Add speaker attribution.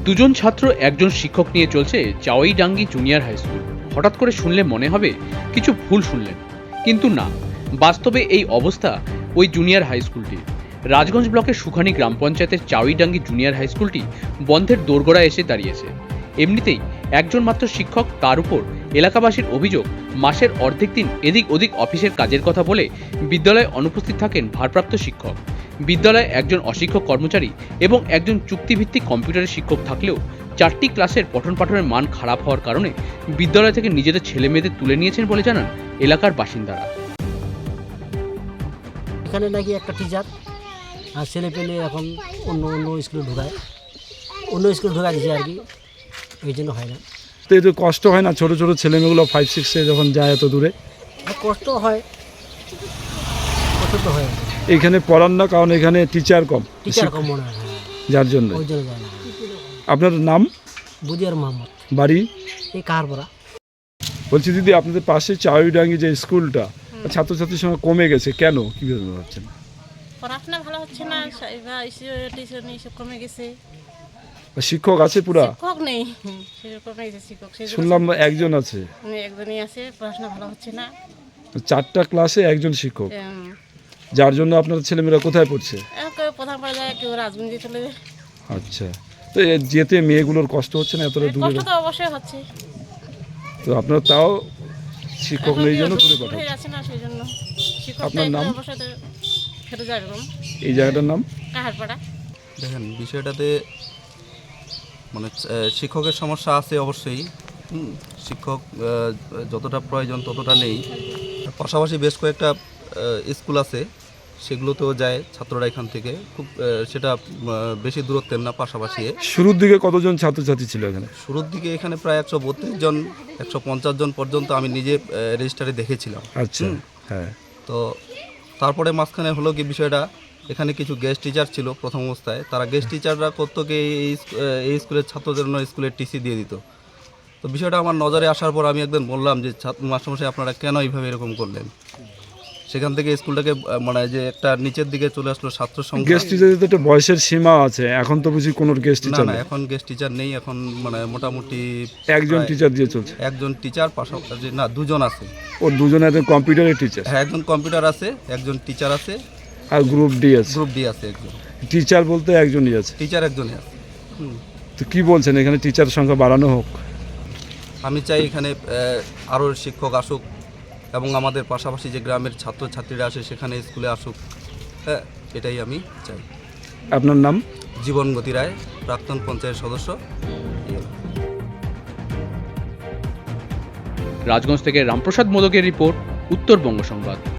Speaker 1: দুজন ছাত্র একজন শিক্ষক নিয়ে চলছে চাওয়াইডাঙ্গি জুনিয়র হাই স্কুল। হঠাৎ করে শুনলে মনে হবে কিছু ভুল শুনলেন, কিন্তু না, বাস্তবে এই অবস্থা ওই জুনিয়র হাই স্কুলটি। রাজগঞ্জ ব্লকের সুখানি গ্রাম পঞ্চায়েতের চাওয়াইডাঙ্গি জুনিয়র হাই স্কুলটি বন্ধের দোরগোড়ায় এসে দাঁড়িয়েছে। এমনিতেই একজন মাত্র শিক্ষক, তার উপর এলাকাবাসীর অভিযোগ মাসের অর্ধেক দিন এদিক ওদিক অফিসের কাজের কথা বলে বিদ্যালয়ে অনুপস্থিত থাকেন ভারপ্রাপ্ত শিক্ষক। বিদ্যালয়ে একজন অশিক্ষক কর্মচারী এবং একজন চুক্তিভিত্তিক কম্পিউটারের শিক্ষক থাকলেও 4টি ক্লাসের পঠন পাঠনের মান খারাপ হওয়ার কারণে বিদ্যালয় থেকে নিজেদের ছেলে মেয়েদের তুলে নিয়েছেন বলে জানান এলাকার বাসিন্দারা।
Speaker 2: এখানে নাকি একটা টিচার আর ছেলে পেলে এখন অন্য স্কুলে ঢোকায়, অন্য স্কুলে ঢোকা দিচ্ছে আর কি, এই জন্য হয় না।
Speaker 3: তো এতে কষ্ট হয় না ছোটো ছোটো ছেলেমেয়েগুলো 5-6-এ যখন যায় এত দূরে?
Speaker 2: কষ্ট হয়, কষ্ট তো হয়।
Speaker 3: এখানে পড়ান না কারণ এখানে টিচার কম
Speaker 2: মনে হয়,
Speaker 3: যার জন্য।
Speaker 2: ওই জন্য যায় না।
Speaker 3: আপনার নাম?
Speaker 2: বুদিয়ার মোহাম্মদ,
Speaker 3: বাড়ি?
Speaker 2: এই কাহারপাড়া।
Speaker 3: বলছি দিদি, আপনাদের পাশে চাওয়াইডাঙ্গি যে স্কুলটা ছাত্রছাত্রীর সঙ্গে কমে গেছে, কেন, কীভাবে ভাবছেন?
Speaker 4: পড়াশোনা ভালো হচ্ছে না, টিউশন এইসব কমে গেছে।
Speaker 3: শিক্ষক আছে পুরা?
Speaker 4: শিক্ষক নেই, সেরকম কমে গেছে শিক্ষক।
Speaker 3: শুনলাম একজন আছে।
Speaker 4: একজনই আছে, পড়াশোনা ভালো হচ্ছে না।
Speaker 3: 4টা ক্লাসে একজন শিক্ষক,
Speaker 4: এম,
Speaker 3: যার জন্য আপনার ছেলেমেয়েরা কোথায় পড়ছে?
Speaker 4: কেউ প্রধান পড়ে যায়, কেউ রাজগঞ্জে চলে যায়।
Speaker 3: আচ্ছা, তো যেতে মেয়েগুলোর কষ্ট হচ্ছে না এতটা দূরে?
Speaker 4: কষ্ট তো অবশ্যই হচ্ছে,
Speaker 3: তো আপনার তাও শিক্ষক নেই জন্য দূরে
Speaker 4: হয়ে
Speaker 3: পাঠাচ্ছে।
Speaker 4: যাচ্ছে না, সেই জন্য শিক্ষক
Speaker 3: আপনার নাম?
Speaker 4: অবশ্যই তো ফেরত যায় এরকম।
Speaker 3: এই জায়গাটার নাম?
Speaker 4: কাহারপাড়া।
Speaker 5: দেখেন, বিষয়টাতে মানে শিক্ষকের সমস্যা আছে অবশ্যই। শিক্ষক যতটা প্রয়োজন ততটা নেই। পাশাপাশি বেশ কয়েকটা স্কুল আছে, সেগুলোতেও যায় ছাত্ররা এখান থেকে, খুব সেটা বেশি দূরত্বের না, পাশাপাশি।
Speaker 3: শুরুর দিকে কতজন ছাত্রছাত্রী ছিল এখানে?
Speaker 5: শুরুর দিকে এখানে প্রায় 132 জন 150 জন পর্যন্ত আমি নিজে রেজিস্টারে দেখেছিলাম।
Speaker 3: আচ্ছা, হ্যাঁ।
Speaker 5: তো তারপরে মাঝখানে হলো কি বিষয়টা, এখানে কিছু গেস্ট টিচার ছিল প্রথম অবস্থায়, তারা গেস্ট টিচাররা করতো কি এই স্কুলের ছাত্রদের জন্য স্কুলের টিসি দিয়ে দিত। তো বিষয়টা আমার নজরে আসার পর আমি একদিন বললাম যে মাস্টারমশাই, আপনারা কেন এইভাবে এরকম করলেন? সেখান থেকে স্কুলটাকে মানে যে একটা নিচের দিকে চলে আসলো ছাত্র সংখ্যা।
Speaker 3: গেস্ট টিচারের তো একটা বয়সের সীমা আছে, এখন তো বুঝি কোনো গেস্ট
Speaker 5: না
Speaker 3: টিচার
Speaker 5: না,
Speaker 3: নেই।
Speaker 5: এখন গেস্ট টিচার নেই, এখন মানে মোটামুটি
Speaker 3: একজন টিচার দিয়ে চলছে।
Speaker 5: একজন টিচার, পাশাপাশি না, দুজন আছে।
Speaker 3: ওর দুজনে একজন কম্পিউটারের টিচার?
Speaker 5: হ্যাঁ, একজন কম্পিউটার আছে, একজন টিচার আছে,
Speaker 3: আর গ্রুপ ডি আছে?
Speaker 5: গ্রুপ ডি আছে একজন।
Speaker 3: টিচার বলতে একজনই আছে?
Speaker 5: টিচার একজনই আছে।
Speaker 3: তো কি বলছেন, এখানে টিচার সংখ্যা বাড়ানো হোক?
Speaker 5: আমি চাই এখানে আরও শিক্ষক আসুক এবং আমাদের পাশাপাশি যে গ্রামের ছাত্রছাত্রীরা আসে সেখানে স্কুলে আসুক। হ্যাঁ, এটাই আমি চাই।
Speaker 3: আপনার নাম?
Speaker 5: জীবনগতি রায়, প্রাক্তন পঞ্চায়েত সদস্য।
Speaker 1: রাজগঞ্জ থেকে রামপ্রসাদ মোদকের রিপোর্ট, উত্তরবঙ্গ সংবাদ।